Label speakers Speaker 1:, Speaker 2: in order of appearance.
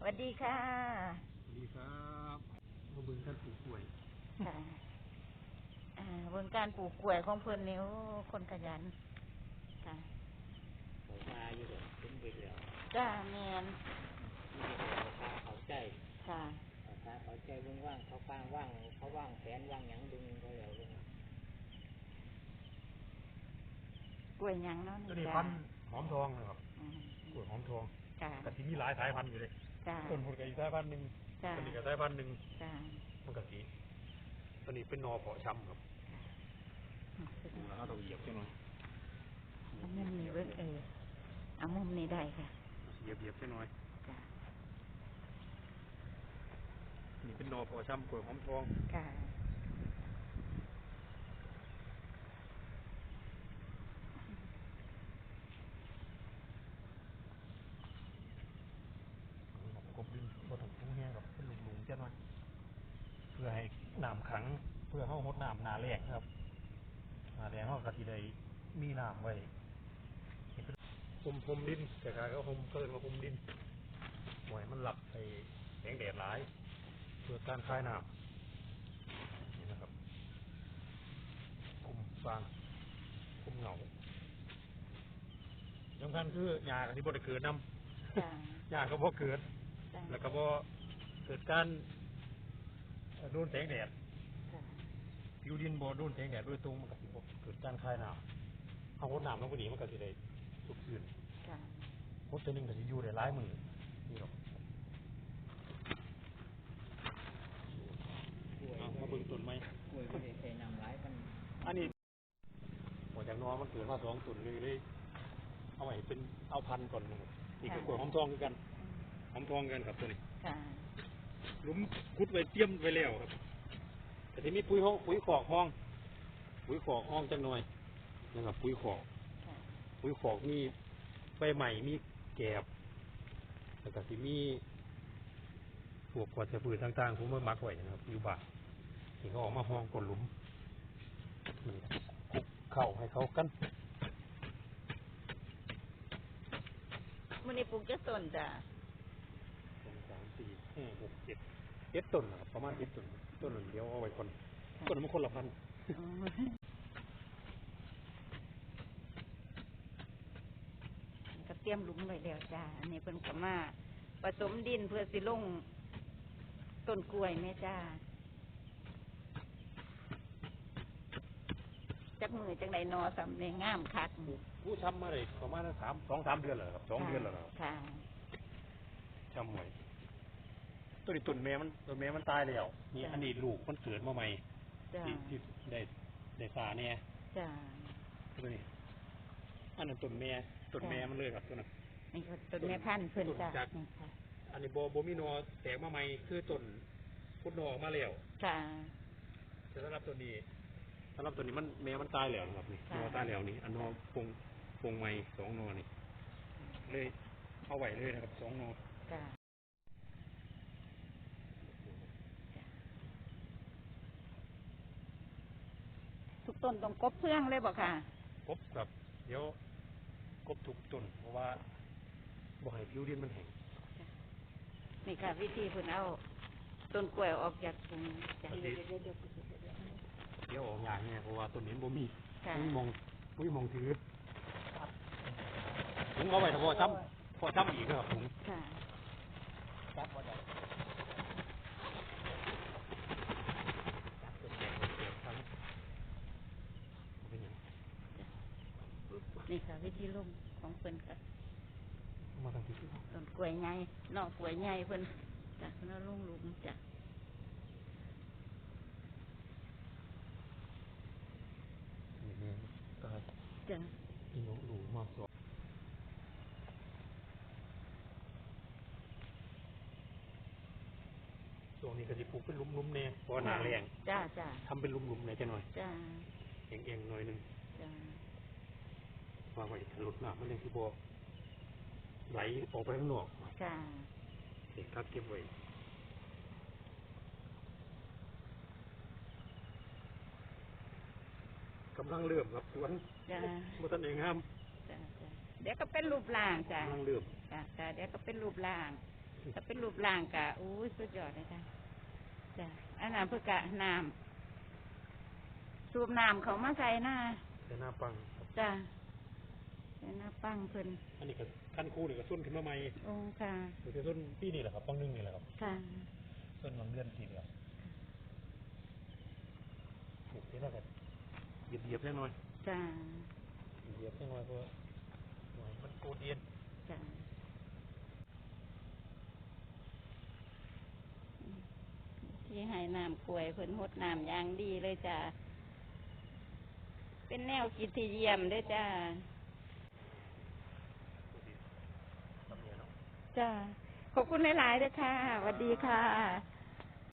Speaker 1: วัสดีค่ะ
Speaker 2: สวัสดีครับมาเบิ่งการปลูกกล้วย
Speaker 1: ค่ะเบิ่งการปลูกกล้วยของเพิ่นนี่โอ้คนขยันค่ะ
Speaker 3: เขามาอยู่เดี๋ยวถึงเบิดแล้ว
Speaker 1: จ้าแม่น
Speaker 3: นี่เดี๋ยวเขาใจ
Speaker 1: ค่ะ
Speaker 3: เขาใจเบิ่งว่างเขาฟังว่างเขาว่างแผนว่างหยังดึงเขาแล้วเบิ่ง
Speaker 1: กล้วยหยังเนาะ
Speaker 2: ตัวนี้พันธุ์หอมทองนะครับกล้วยหอมทอง
Speaker 1: จ้า
Speaker 2: ก็สิมีหลายสายพันธุ์อยู่เลย
Speaker 1: จ้า
Speaker 2: ต้นผลก็อีกสายพันธุ์หนึ่งต้นนี้ก็สายพันธุ์หนึ่ง
Speaker 1: จ้า
Speaker 2: มันก็สิตัวนี้เป็นนอเพาะชำครับดูแล้วต้องเหยียบใช่ไหม
Speaker 1: เอามุมนี้เบิ่งเอามุมนี้ได้ค่ะ
Speaker 2: เหยียบใช่ไหม
Speaker 1: จ้า
Speaker 2: นี่เป็นนอเพาะชำกล้วยหอมทอง
Speaker 1: ค่ะ
Speaker 2: กบดินบ่ต้องทุ่งแห้งกับเป็นหลุมๆใช่ไหมเพื่อให้น้ำขังเพื่อเข้าหดน้ำนาแรงครับนาแรงเขาก็สิได้มีน้ำไว้พรมดินแต่การก็เกินมาพรมดินหวยมันหลับไปแสงแดดหลายเพื่อการคลายน้ำนี่นะครับคุมฟางคุมเหงาสำคัญคือหญ้าที่บ่ได้เกิดน้ำหญ้าก็บ่เกิดแล้วก็บ่เกิดการโดนแสงแดดผิวดินบ่โดนแสงแดดโดยตรงมันก็สิบ่เกิดการคลายน้ำเอาหดน้ำลงไปนี่มันก็สิได้สุกชื้นหดตัวนึงก็สิอยู่ได้หลายมื้อนี่หรอกมาเบิ่งต้นไม้
Speaker 3: กล้วยไม่ได้ใส่น้ำหลายกัน
Speaker 2: อันนี้หัวจากนอมันเกิดมา2ต้นเลยเอาไว้เป็นเอาพันธุ์ก่อนนะครับนี่คือกล้วยหอมทองคือกันหอมทองกันครับตัวนี้หลุมขุดไว้เตรียมไว้แล้วครับแต่ที่มีปุ๋ยขอกห้องจังหน่อยนะครับปุ๋ยขอกมีใบใหม่มีแกบแล้วก็ที่มีพวกวัชพืชต่างๆผมมาหมักไว้นะครับอยู่บ้านที่เขาออกมาห้องก้นหลุมเข้าให้เขากัน
Speaker 1: มื้อนี้ปลูกจักต้นจ้ะ
Speaker 2: 2 3 4 5 6 7ต้นนะครับประมาณ7ต้นเดียวเอาไว้คนต้นมันคนละพัน
Speaker 1: ก็เตรียมหลุมไว้แล้วจ้าอันนี้เพิ่นก็มาผสมดินเพื่อสิลงต้นกล้วยแม่จ้าจักมือจังได๋นอสำในงามคัก
Speaker 2: ผู้ช้ำมาได้ประมาณ2-3 เดือนแล้วครับ2 เดือนแล้วครับ
Speaker 1: ค่ะ
Speaker 2: ช้ำไว้ต้นแม่มันตายแล้วนี่อันนี้ลูกมันเกิดมาใหม่ที่ได้สาเนี่ย
Speaker 1: จ้า
Speaker 2: ตัวนี้อันนั้นต้นแม่มันเลยครับตัวนั้น
Speaker 1: นี่ก็ต้นแม่พันธุ์เพิ่นจ้ะ
Speaker 2: อันนี้บ่มีนอแตกมาใหม่คือต้นพุทธนอออกมาแล้ว
Speaker 1: จ้า
Speaker 2: แต่สำหรับตัวนี้มันแม่มันตายแล้วครับนี่นอตายแล้วนี่อันนอพงใหม่2 นอนี่เลยเอาไว้เลยนะครับ2 นอ
Speaker 1: จ้าทุกต้นต้องกบเพื่องเลยบ่ค่ะ
Speaker 2: กบกับเดี๋ยวกบทุกต้นเพราะว่าบ่ให้ผิวดินมันแห้ง
Speaker 1: นี่ค่ะวิธีเพิ่นเอาต้นกล้วยออกจากถุงจ้ะ
Speaker 2: เดี๋ยวออกอย่างเนี่ยเพราะว่าต้นนี้บ่มีมองถือถุงเอาไว้ถ้าพอช้ำอีกครับถุง
Speaker 1: ค่ะ
Speaker 3: จับบ่ได้
Speaker 1: นี่ค่ะวิธีลงของเพิ่นค่ะ
Speaker 2: มาทางที่
Speaker 1: ต้นกล้วยใหญ่นอกกล้วยใหญ่เพิ่นจ้ะเพิ่นเอาลงหลุมจ้ะ
Speaker 2: นี่ตาย
Speaker 1: จ้ะ
Speaker 2: นี่หลูมาสองช่วงนี้ก็จะปลูกเป็นหลุมๆเนี่ยเพราะหนาแรง
Speaker 1: จ้า
Speaker 2: ทำเป็นหลุมๆเนี่ยจะหน่อย
Speaker 1: จ้า
Speaker 2: เอียงๆหน่อยนึง
Speaker 1: จ้า
Speaker 2: ว่าไว้ถลุดน้ำมันเลยคือบ่ไหลออกไปข้างนอก
Speaker 1: จ้า
Speaker 2: เก็บไว้กำลังเริ่มครับสวนมาตันเองครับ
Speaker 1: เดี๋ยวก็เป็นรูปร่างจ้ะ
Speaker 2: กำลังเริ่ม
Speaker 1: จ้ะเดี๋ยวก็เป็นรูปร่างถ้าเป็นรูปร่างกะอู้สุดยอดเลยจ้ะจ้ะอันนั้นเพื่อกะน้ำสูบน้ำเขามาใส่หน้า
Speaker 2: แต่หน้าปังครับ
Speaker 1: จ้ะใส่หน้าปังเพิ่น
Speaker 2: อันนี้ก็ขั้นคู่นี่ก็ส้นขึ้นมาใหม่
Speaker 1: โอ้ค่ะ
Speaker 2: คือส้นปีนี่แหละครับปังนึงนี่แหละครับ
Speaker 1: ค่ะ
Speaker 2: ส้นบางเดือนทีเดียวโอเคแล้วกันเหยียบแค่น้อย
Speaker 1: จ้ะ
Speaker 2: เหยียบแค่น้อยเพราะหน่อยมันโกเดียน
Speaker 1: จ้ะที่ให้น้ำกล้วยเพิ่นหดน้ำอย่างดีเลยจ้ะเป็นแนวคิดที่เยี่ยมเลยจ้ะจ้ะขอบคุณหลายๆด้วยค่ะสวัสดีค่ะ